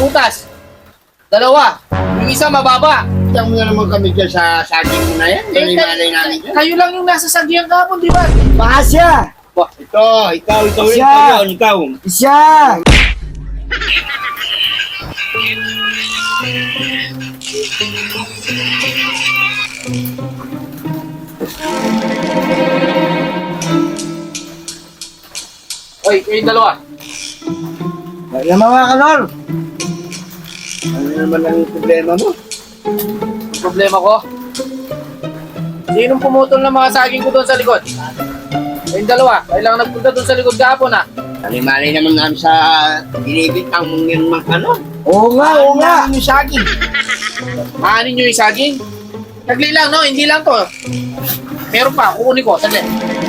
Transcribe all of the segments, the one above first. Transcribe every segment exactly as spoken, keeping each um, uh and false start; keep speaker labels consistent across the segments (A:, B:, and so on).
A: butas. Dalawa. Yung isa mababa.
B: Diyan mo na naman kami dyan sa saging mo na yan.
A: Eh,
B: Malay namin dyan.
A: kayo lang yung nasa sagihan kahapon, di ba?
C: Baka siya!
B: Wah, ito, ikaw, ikaw rin,
C: Siya!
B: ikaw, ikaw.
C: Siya!
A: Oy, kayong dalawa.
C: Kaya mga kanor!
B: Ano naman ang problema mo?
A: Ang problema ko. Sinong pumutol ng mga saging ko doon sa likod? Kayong dalawa. Kailangan nagpunta doon sa likod kahapon, ha?
B: Mali-mali naman namin sa binibit ang mong yung mga ano.
C: Oo nga, oo nga!
B: Ano yung saging?
A: Maanin nyo yung saging? Sagli lang, no? Hindi lang to. Meron pa. Kukunin ko. Sagli.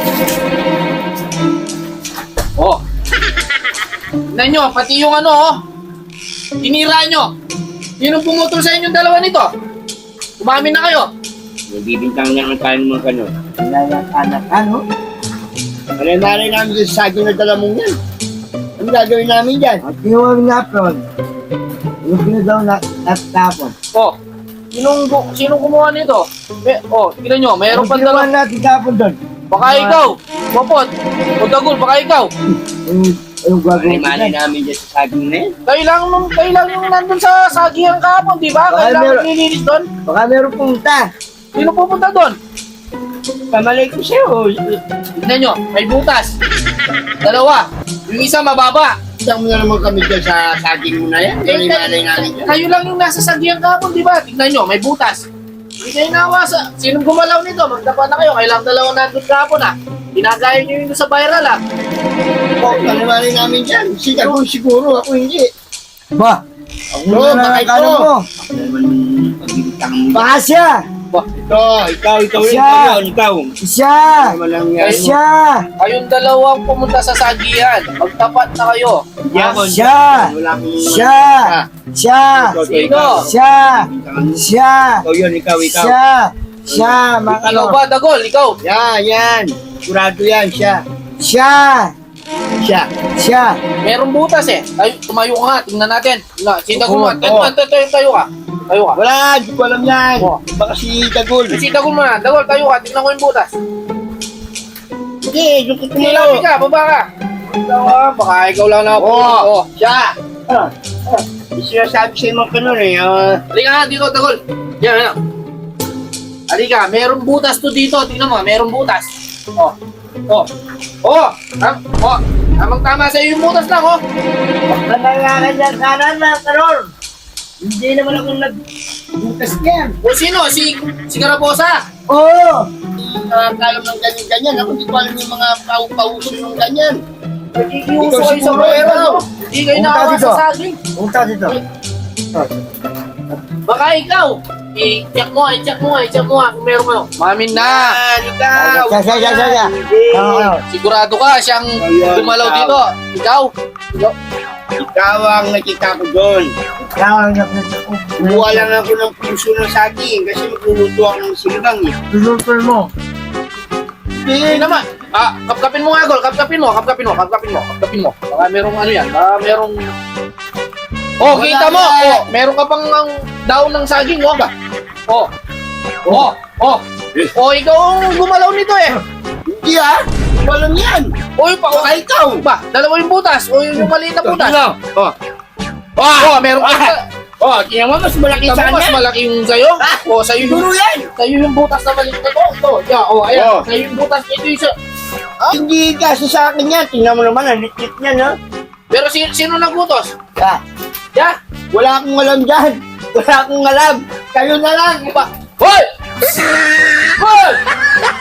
A: Oh. Tignan nyo. Pati yung ano, oh. Tinira nyo. Sinong pumutol sa inyong dalawa nito? Umamin na kayo.
B: Nagbibintang naman tayo ng mga ano.
C: Wala yung anak, ano?
B: Mali-mali namin sa saging na dala mong yan. Ano gagawin namin dyan?
C: At kinuha ng napron. Yung pinagaw na natapon.
A: Oh. Sinong, gu- sinong kumuha nito? Eh, oh, tignan nyo. Meron
C: Yung
A: pa
C: kinuha
A: dalawa.
C: natin tapon doon.
A: Baka ikaw. Popot. O Dagul, baka ikaw.
C: Yung, yung gagawin
B: Mali-mali
C: natin.
B: namin dyan sa saging na yan.
A: Kayo lang, nung, kayo lang yung nandun sa sagihan kahapon, di ba?
C: Baka
A: Kayo lang
C: meron-
A: nililinis doon.
C: Baka meron pumunta.
A: Sino pupunta doon?
B: Pamalay ko sa'yo.
A: Tignan nyo, may butas. Dalawa. Yung isa mababa.
B: Diyan mo na naman kami dyan sa saging mo na yan.
A: Eh,
B: Mali-mali namin dyan.
A: kayo lang yung nasa sagihan kahapon, di ba? Tignan nyo, may butas. Hindi kayo nawasa. Sinong gumalaw nito? Magdapa na kayo. Kailang dalawa nandun kahapon, ha? Ginagaya nyo yung sa viral, ha?
B: Oh, mali-mali namin dyan. Si Dagul siguro, ako hindi.
C: Ba? Ako
B: Oo,
C: na
B: baka
C: lang ano
B: ito.
C: mo.
B: Ako naman pagbibintang mo.
C: Baka siya!
B: Ito, ikaw, ikaw rin,
C: Siya!
B: ikaw, ikaw.
C: Siya!
B: Ano lang yan?
C: Siya!
A: Kayong dalawang pumunta sa sagihan. Magtapat na kayo.
B: Yakon.
C: Siya!
B: Wala akong...
C: Siya! Siya!
B: Ikaw, ikaw,
A: Sino?
B: ikaw.
C: Siya!
B: Bintangan mo.
C: Siya!
B: Ikaw yun, ikaw, ikaw.
C: Siya! Siya! Mga
A: Ikaw
C: kanor!
A: ba, Dagol? Ikaw?
B: Yan, yan. Kurado yan, siya.
C: Siya!
B: Siya.
C: Siya!
A: Merong butas, eh. Tayo, tumayo ka nga. Tingnan natin. Na, si Dagol
C: Oo,
A: mo. Tayo,
B: oo.
A: tayo, tayo, tayo ka. Tayo ka.
B: Wala, di ko alam yan.
A: Oh.
B: Baka si Dagul.
A: Si Dagol mo na. Dagol, tayo ka. Tingnan ko yung butas.
B: Hindi, yung
A: Hindi,
B: tutulo.
A: labi ka. Baba ka. Ikaw, ah, baka ikaw lang na ako.
B: Oo,
A: Oh.
B: siya. Ah, ah. Yung sinasabi sa'yo mga kanon eh. ah.
A: Halika nga dito, Dagol. Yan, yan. Halika, merong butas to dito. Tingnan mo, merong butas. Oh. Oh. Oh. Tam oh. Tamang tama sa iyo yung butas lang, oh.
C: Nanangalan yan sana na kanor! Hindi naman ako nagbukas niyan.
A: O sino? Si, si Carabosa.
C: Oo!
B: Uh, tayo ng ganyan-ganyan. Ako di ko alam yung mga pau-pauso ng ganyan.
A: Nakikiuso
B: Ikaw
A: kayo sa
B: siguro,
A: pera,
B: ikaw.
A: no? Hindi kayo
C: Punta
A: nakawa
C: dito.
A: sa saging.
C: Punta dito.
A: Baka ikaw. I-check mo, i-check mo, i-check mo kung meron kayo. Mamin na.
B: Yan, ikaw.
C: Siya, siya, siya, siya, siya. Tama kayo.
A: Sigurado ka siyang
B: Ayun,
A: dumalaw
B: ikaw.
A: dito. Ikaw. Ikaw.
B: Ikaw ang nakita ko doon.
C: Tama kayo.
B: Kuha lang ako ng puso ng saging kasi magluluto ako ng sinigang eh.
C: Lulutol mo.
A: Hindi naman. Ah, kapkapin mo nga, Gol. Kapkapin mo, kapkapin mo, kapkapin mo, kapkapin mo. Baka merong ano yan. Baka merong... Oh,
B: Wala
A: kita mo.
B: yan.
A: Oh, meron ka pang ang daon ng saging, oh. Oh. Oh. Oh. Oh, ikaw ang gumalaw nito eh.
B: Hindi ah. Walang yan.
A: Oh, yung pa.
B: Baka ikaw.
A: Ba, dalawa yung butas. O yung, yung maliit na butas.
B: Ito. Oh.
A: Oh, meron ka.
B: Ah. Oh, tingnan mo, mas malaki
A: Kita
B: sa
A: mo, mas
B: kanya.
A: malaki yung sa'yo. Oh, sa'yo yung,
B: Siguro yan.
A: sa'yo yung butas na maliit na to. Ito, yeah, oh, ayan.
B: Oh.
A: Sa'yo yung butas nito yung sa...
B: Hindi kasi sa akin yan. Tingnan mo naman, ang liit niya, no?
A: Pero si, sino nagbutos?
B: Ah,
A: Yeah?
B: wala akong alam dyan. Wala akong alam. Kayo na lang.
A: Ba? Hoy! Hoy!